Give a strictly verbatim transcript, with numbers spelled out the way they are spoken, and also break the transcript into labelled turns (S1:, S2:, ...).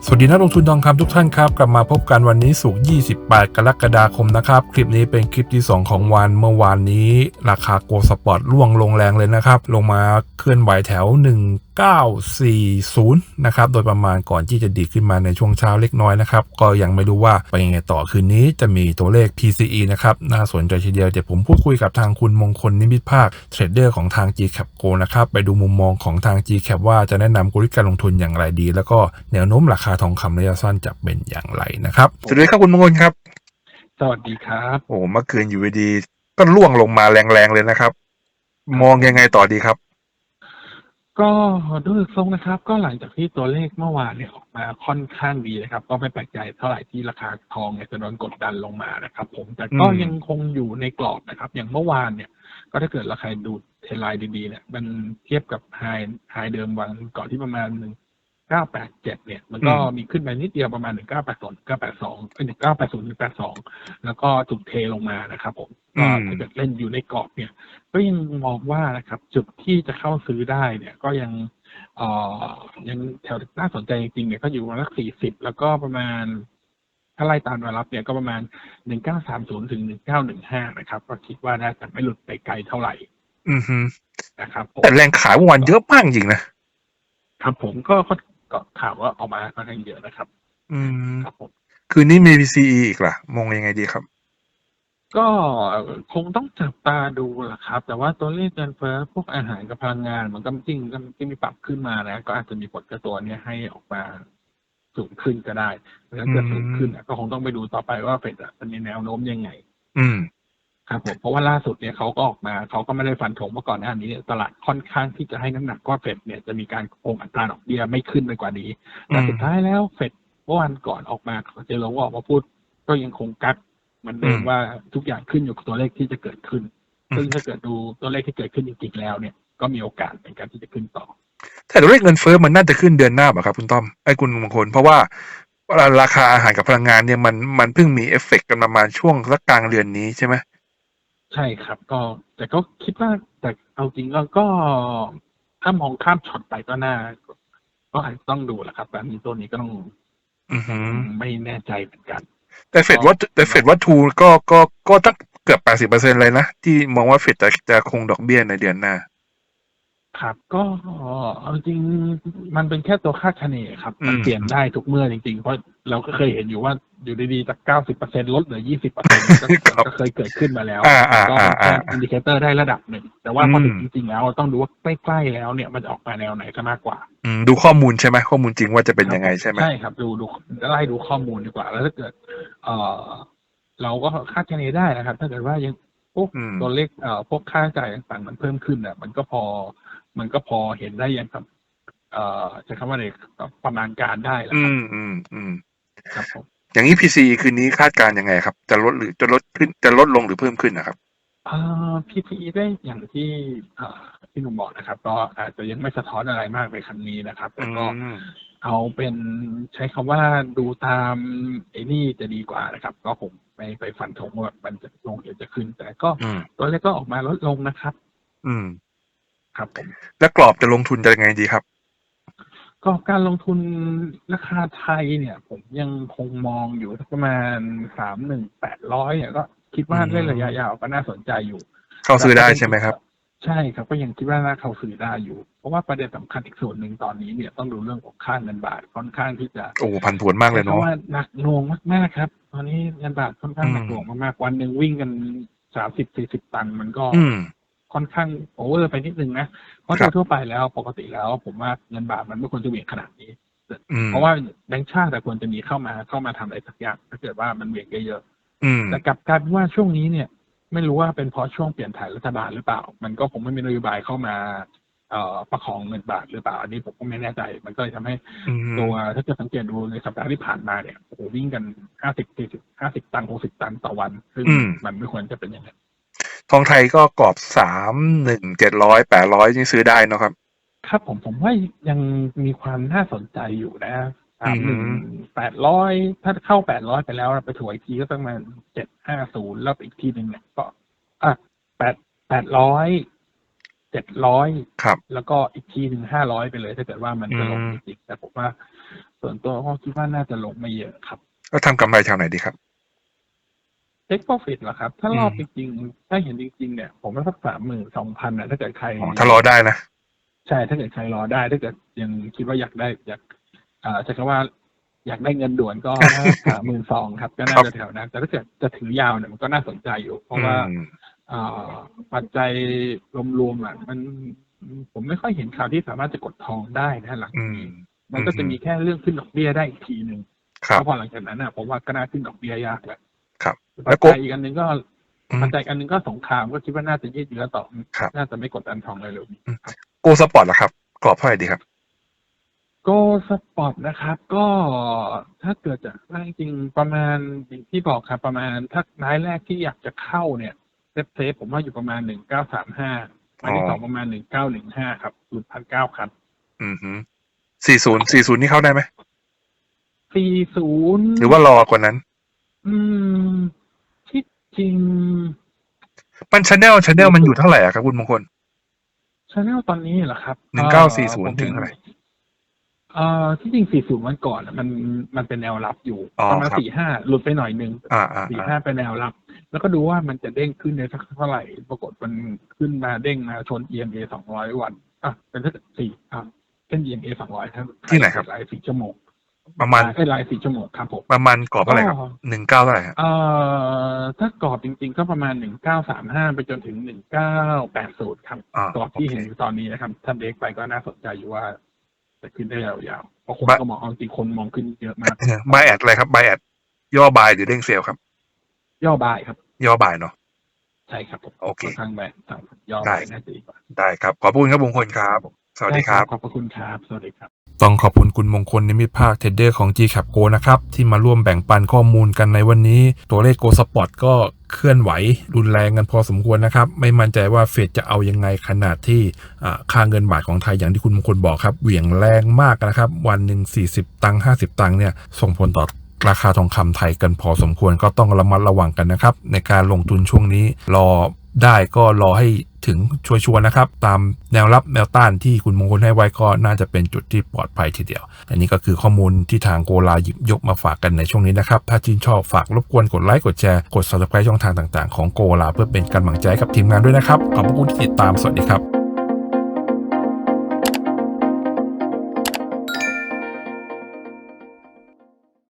S1: สวัสดีนักลงทุนทองคำทุกท่านครับกลับมาพบกันวันนี้ศุกร์ยี่สิบแปดกรกฎาคมนะครับคลิปนี้เป็นคลิปที่สองของวันเมื่อวานนี้ราคาโกลด์สปอร์ตร่วงลงแรงเลยนะครับลงมาเคลื่อนไหวแถวหนึ่งพันเก้าร้อยสี่สิบนะครับโดยประมาณก่อนที่จะดีขึ้นมาในช่วงเช้าเล็กน้อยนะครับก็ยังไม่รู้ว่าไปยังไงต่อคืนนี้จะมีตัวเลข พี ซี อี นะครับน่าสนใจทีเดียวเดี๋ยวผมพูดคุยกับทางคุณมงคลนิมิตภาคเทรดเดอร์ของทาง จี แคป Go นะครับไปดูมุมมองของทาง จี แคป ว่าจะแนะนำกลยุทธ์การลงทุนอย่างไรดีแล้วก็แนวโน้มราคาทองคำระยะสั้นจะเป็นอย่างไรนะครับสวัสดีครับคุณมงคลครับ
S2: สวัสดีครับ
S1: โอ้เมื่อคืนอยู่ดีๆก็ร่วงลงมาแรงๆเลยนะครับมองยังไงต่อดีครับ
S2: ก็ดูทรงนะครับก็หลังจากที่ตัวเลขเมื่อวานเนี่ยออกมาค่อนข้างดีนะครับก็ไม่แปลกใจเท่าไหร่ที่ราคาทองเนี่ยจะโดนกดดันลงมานะครับผมแต่ก็ยังคงอยู่ในกรอบนะครับอย่างเมื่อวานเนี่ยก็ถ้าเกิดราคาดูเทรนไลน์ดีๆเนี่ยมันเทียบกับไฮไฮเดิมวันก่อนที่ประมาณหนึ่งเก้าแปดเจ็ดเนี่ยมันก็มีขึ้นไปนิดเดียวประมาณหนึ่งเก้าแปดศูนย์เก้าแปดสองเอ้ยหนึ่งเก้าแปดศูนย์หนึ่งแปดสองแล้วก็ถูกเทลงมานะครับผมก็ถ้าเกิดเล่นอยู่ในกรอบเนี่ยก็ยังมองว่านะครับจุดที่จะเข้าซื้อได้เนี่ยก็ยังเอ่อยังแถวน่าสนใจจริงๆเนี่ยก็อยู่ประมาณสักสี่สิบแล้วก็ประมาณถ้าไล่ตามแนวรับเนี่ยก็ประมาณหนึ่งเก้าสามศูนย์ถึงหนึ่งเก้าหนึ่งห้านะครับก็คิดว่าน่าจะไม่หลุดไปไกลเท่าไหร่
S1: อือฮึ
S2: นะครับผม
S1: แต่แรงขายเมื่อวานเยอะมากจริงนะครับ
S2: ผมก็ก็ก็ข่าวว่าออกมาค่อนข้างเยอะนะครับ
S1: อืม
S2: ครับผม
S1: คืนนี้มี พี ซี อี อีกล่ะมองยังไงดีครับ
S2: ก็คงต้องจับตาดูแหละครับแต่ว่าตัวเลขเงินเฟ้อพวกอาหารกับพลังงานมันก็จริงก็ที่มีปรับขึ้นมานะก็อาจจะมีผลกับตัวเนี้ยให้ออกมาสูงขึ้นก็ได้ถ้าเกิดสูงขึ้นก็คงต้องไปดูต่อไปว่าเฟดจะมีแนวโน้มยังไง
S1: อืม
S2: ครับผมเพราะว่าล่าสุดเนี่ยเขาก็ออกมาเขาก็ไม่ได้ฟันธงเมื่อก่อนหน้านี้เนี่ยตลาดค่อนข้างที่จะให้น้ำหนักว่าเฟดเนี่ยจะมีการคงอัตราดอกเบี้ยไม่ขึ้นไปกว่านี้แต่สุดท้ายแล้วเฟดเมื่อวันก่อนออกมาเจอลงออกมาพูดก็ยังคงกักเหมือนเดิมว่าทุกอย่างขึ้นอยู่กับตัวเลขที่จะเกิดขึ้นซึ่งถ้าเกิดดูตัวเลขที่เกิดขึ้นจริงๆแล้วเนี่ยก็มีโอกาสในการที่จะขึ้นต่อ
S1: แต่ตัวเลขเงินเฟ้อมันน่าจะขึ้นเดือนหน้าป่ะครับคุณต้อมไอ้คุณมงคลเพราะว่าราคาอาหารกับพลังงานเนี่ยมันมันเพิ่งมีเอฟเฟกต์กันประมาณช่วงสักกลางเดือนนี้ใช่ไหม
S2: ใช่ครับก็แต่ก็คิดว่าแต่เอาจริงก็ก็ถ้ามองข้ามช็อตไปก็น่าก็อาจจะต้องดูแหละครับแต่อันนี้ตัวนี้ก็ต้อง
S1: อือฮึ
S2: ยังไม่แน่ใจเหมือนกัน
S1: แต่เฟด
S2: ก็
S1: ว่าแต่เฟดว่าทูก็ก็ก็ตั้งเกือบแปดสิบเปอร์เซ็นต์เลยนะที่มองว่าเฟดจะจะคงดอกเบี้ยในเดือนหน้า
S2: ครับก็เอาจริงมันเป็นแค่ตัวคาดคะเนครับมันเปลี่ยนได้ทุกเมื่อจริงๆเพราะเราก็เคยเห็นอยู่ว่าอยู่ดีๆจากเก้าสิบเปอร์เซ็นต์ลดเหลือยี่สิบเปอร์เซ็นต์ก็ก็เคยเกิดขึ้นมาแล้ว
S1: อ่าอ่า
S2: ก็
S1: อ่าอ่า
S2: เป็นแค่อินดิเคเตอร์ได้ระดับหนึ่งแต่ว่า
S1: อืม
S2: พอถึงจริงๆแล้วต้องดูว่าใกล้ๆแล้วเนี่ยมันจะออกมาแนวไหนก็มากกว่า
S1: อืมดูข้อมูลใช่ไหมข้อมูลจริงว่าจะเป็น
S2: ครับผม
S1: ยังไงใช่ไหม
S2: ใช่ครับดูดูไล่ดูข้อมูลดีกว่าแล้วถ้าเกิดเอ่อเราก็คาดคะเนได้นะครับถ้าเกิดว่ายังพวก
S1: อืม
S2: ตัวเลขเอ่อพวกค่าใช้จ่ายต่างๆมันเพิ่มขึ้นอ่ะมันก็พอมันก็พอเห็นได้อย่างครับเอ่อใช้คำว่าอะไรประมาณการได้แหละครับ
S1: อืมอืมอืม
S2: ครับผม
S1: อย่างนี้ พี ซี คืนนี้คาดการณ์ยังไงครับจะลดหรือจะลดขึ้นจะลดลงหรือเพิ่มขึ้นนะครับ
S2: อ่า พี ที อี ได้อย่างที่อ่าที่หนุ่มบอกนะครับก็อาจจะยังไม่สะท้อนอะไรมากในครั้งนี้นะครับ
S1: อื
S2: แต่ก็
S1: ม
S2: เอาเป็นใช้คำว่าดูตามไอ้นี่จะดีกว่านะครับก็ผมไม่ไปฟันธงว่ามันจะลงหรือจะขึ้นแต่ก็
S1: อืม
S2: ตัวเลขก็ออกมาลดลงนะครับ
S1: อืม
S2: ครับผม
S1: แล้วกรอบจะลงทุนจะยังไงดีครับ
S2: ก็การลงทุนราคาไทยเนี่ยผมยังคงมองอยู่ประมาณสามหนึ่งแปดร้อยเนี่ยก็คิด
S1: อื
S2: ว่าเล่นระยะ
S1: ม
S2: ยาวก็น่าสนใจอยู่
S1: เข้าซื้อได้
S2: แต่ประเด็น
S1: ใช่ไหมครับ
S2: อีกใช่ครับก็ยังคิดว่าน่าเข้าซื้อได้อยู่เพราะว่าประเด็นสำคัญอีกส่วนหนึ่งตอนนี้เนี่ยต้องดูเรื่องของค่าเงินบาทค่อนข้างที่จะ
S1: โอ้ผันผวนมากเลยเนาะ
S2: ใช้คำว่าหนักหน่วงมากๆครับตอนนี้เงินบาทค่อนข้า
S1: อื
S2: งหนัก
S1: ม
S2: หน่วงมากๆวันหนึ่งวิ่งกันสามสิบสี่สิบตังค์มันก็
S1: อืม
S2: ค่อนข้างโอเวอร์ไปนิดนึงนะเพราะโด
S1: ครับ
S2: ยทั่วไปแล้วปกติแล้วผมว่าเงินบาทมันไม่ควรจะเหวี่ยงขนาดนี้
S1: อืม
S2: เพราะว่าแบงก์ชาติแต่ควรจะมีเข้ามาเข้ามาทำอะไรสักอย่างถ้าเกิดว่ามันเหวี่ยงเยอะ
S1: อืม
S2: ๆแต่กลับกลายเป็นว่าช่วงนี้เนี่ย ไม่รู้ว่าเป็นเพราะช่วงเปลี่ยนถ่ายรัฐบาลหรือเปล่า มันก็คงไม่มีนโยบายเข้ามาเอ่อประคองเงินบาทหรือเปล่า อันนี้ผมก็ไม่แน่ใจ มันก็เลยทำให้
S1: อื
S2: ตัว
S1: ม
S2: ถ้าเกิดสังเกตดูในสัปดาห์ที่ผ่านมาเนี่ยโอ้โหวิ่งกันห้าสิบสี่สิบห้าสิบตังค์หกสิบตังค์ต่อวัน ซึ่ง
S1: อืม
S2: มันไม่ควรจะเป็นอย่างนั้น
S1: ทองไทยก็กรอบสามหนึ่งเจ็ดร้อยแปดร้อยนี่ซื้อได้เนอะครับ
S2: ครับผมผมว่ายังมีความน่าสนใจอยู่นะสา
S1: อื
S2: มหนึ่ง
S1: ม
S2: แปดร้อยถ้าเข้าแปดร้อยไปแล้วไปถอยอีกทีก็ประมาณเจ็ดห้าศูนย์แล้วอีกทีหนึ่งเนี่ยก็อ่ะแปดแปดร้อย เจ็ดร้อย
S1: ครับ
S2: แล้วก็อีกทีหนึ่งห้าร้อยไปเลยถ้าเกิดว่ามัน
S1: อื
S2: จะลง
S1: ม
S2: จริงๆแต่ผมว่าส่วนตัวก็คิดว่าน่าจะลงไม่เยอะครับ
S1: แล้วทำกำไรทางไหนดีครับ
S2: Take Profit เหรอครับ ถ้า
S1: อื
S2: รอบ
S1: ม
S2: จริงๆถ้าเห็นจริงๆเนี่ยผมว่าสักสามหมื่นสองพันนะถ้าเกิดใคร
S1: อ๋อถ้ารอได้นะ
S2: ใช่ถ้าเกิดใครรอได้ ถ้าเกิดยังคิดว่าอยากได้อยากอ่าใช้คำว่า อยากได้เงินด่วนก็ สามหมื่นสองครับ ก็
S1: ค
S2: น่า
S1: รับ
S2: จะแถวนั้น แต่ถ้าเกิดจะถือยาวเนี่ยมันก็น่าสนใจอยู่ เพ
S1: อื
S2: ราะว่าม อ่าปัจจัยรวมๆอ่ะมันผมไม่ค่อยเห็นข่าวที่สามารถจะกดทองได้นะหลัง
S1: อื
S2: จาก
S1: ม
S2: นี้
S1: อื
S2: มันก็จะ
S1: ม
S2: มีแค่เรื่องขึ้นดอกเบี้ยได้อีกทีหนึ่ง
S1: ครั
S2: แล้
S1: บ
S2: วพอหลังจากนั้นน่ะผมว่าก็น่าขึ้นดอกเบี้ยยากแล้ว
S1: ครับ
S2: ปั
S1: แล้
S2: จ
S1: วโก
S2: จัยอีกอันหนึ่งก็
S1: อื
S2: ปัจ
S1: ม
S2: จัยอีกอันหนึ่งก็สงครามก็คิดว่าน่าจะยืดเยื้อต่อ
S1: ครับ
S2: น่าจะไม่กดดันทองเร็วๆนี้
S1: อืม
S2: ครับ
S1: Go Spot ล่ะครับ กรอบเท่าไหร่ดีครับ?
S2: Go Spot นะครับ ก็ถ้าเกิดจะได้จริงๆประมาณอย่างที่บอกครับ ประมาณถ้ารายแรกที่อยากจะเข้าเนี่ย เซฟๆผมว่าอยู่ประมาณ หนึ่งพันเก้าร้อยสามสิบห้า รายที่ สอง ประมาณ หนึ่งพันเก้าร้อยสิบห้า ครับ หลุด หนึ่งพันเก้าร้อย ครับ
S1: อือฮึ สี่สิบ สี่สิบ นี่เข้าได้ไหม?
S2: สี่สิบ
S1: หรือว่ารอกว่านั้น?
S2: อืม ที่จริง
S1: มัน channel channel มันอยู่เท่าไรอะครับคุณมงคล?
S2: channel ตอนนี้เหรอครับ?
S1: หนึ่งพันเก้าร้อยสี่สิบ
S2: ผม
S1: ถึ
S2: เห็
S1: ง
S2: น
S1: เท่าไร?
S2: เอ่อ ที่จริง สี่สิบ วันก่อนอะมัน มันเป็นแนวรับอยู่
S1: อ๋อ
S2: ประมาณ
S1: ครับ
S2: สี่สิบห้า หลุดไปหน่อยหนึ่ง
S1: อา
S2: สี่สิบ
S1: ๆ
S2: ห้า
S1: ๆ
S2: เป็นแนวรับ แล้วก็ดูว่ามันจะเด้งขึ้นได้สักเท่าไร ปรากฏมันขึ้นมาเด้งมาชน อี เอ็ม เอ สองร้อย วัน อะ เป็นสัก สี่ อ่า เส้น อี เอ็ม เอ สองร้อย ครับ
S1: ที่ไหนครับ?
S2: ราย สี่ ชั่วโมง
S1: ประมาณ
S2: เอ๊ย ราย สี่ ชั่วโมงครับผม
S1: ประมาณกรอบเท่าไรครับ?
S2: ก็
S1: หนึ่งพันเก้าร้อย เท่าไรครับ?
S2: เอ่อ ถ้ากรอบจริงๆ ก็ประมาณ หนึ่งพันเก้าร้อยสามสิบห้า ไปจนถึง หนึ่งพันเก้าร้อยแปดสิบ ครับ
S1: อา
S2: กรอบ
S1: โอ
S2: ที่
S1: เค
S2: เห็นอยู่ตอนนี้นะครับ ถ้าเบรกไปก็น่าสนใจอยู่ว่า จะขึ้นได้ยาวๆ เพราะคน
S1: บ
S2: ก็มอง เอาจริงๆ คนมองขึ้นเยอะมาก
S1: เออ Buy at อะไรครับ Buy at ย่อ Buy หรือเด้ง Sell ครับ?
S2: ย่อ Buy ครับ
S1: ย่อ Buy เนาะ
S2: ใช่ครับผม
S1: โอเค
S2: ค่อนข้าง Buy ครับ ย่อ
S1: ได้
S2: Buy น่าจะดีกว่า
S1: ได้ครับ ขอบพระคุณครับมงคลครับ สวัส
S2: ได้
S1: ดี
S2: ค
S1: ค
S2: รั
S1: รั
S2: บ
S1: บ
S2: ขอบพระคุณครับ สวัสดีครับ
S1: ต้องขอบคุณคุณมงคล นิมิตภาค เทรดเดอร์ของ จี-Cap Go นะครับ ที่มาร่วมแบ่งปันข้อมูลกันในวันนี้ ตัวเลข Go Spot ก็เคลื่อนไหวรุนแรงกันพอสมควรนะครับ ไม่มั่นใจว่าเฟดจะเอายังไง ขนาดที่ อ่า ค่าเงินบาทของไทยอย่างที่คุณมงคลบอกครับ เหวี่ยงแรงมากนะครับ วันหนึ่ง สี่สิบ ตังค์ ห้าสิบ ตังค์เนี่ย ส่งผลต่อราคาทองคำไทยกันพอสมควร ก็ต้องระมัดระวังกันนะครับ ในการลงทุนช่วงนี้ รอได้ก็รอให้ถึงชัวร์ๆนะครับ ตามแนวรับแนวต้านที่คุณมงคลให้ไว้ก็น่าจะเป็นจุดที่ปลอดภัยทีเดียว อันนี้ก็คือข้อมูลที่ทางโกลาหยิบยกมาฝากกันในช่วงนี้นะครับ ถ้าชื่นชอบฝากรบกวนกดไลค์กดแชร์กด Subscribe ช่องทางต่างๆของโกลาเพื่อเป็นกำลังใจกับทีมงานด้วยนะครับ ขอบพระคุณที่ติดตาม สวัสดีครับ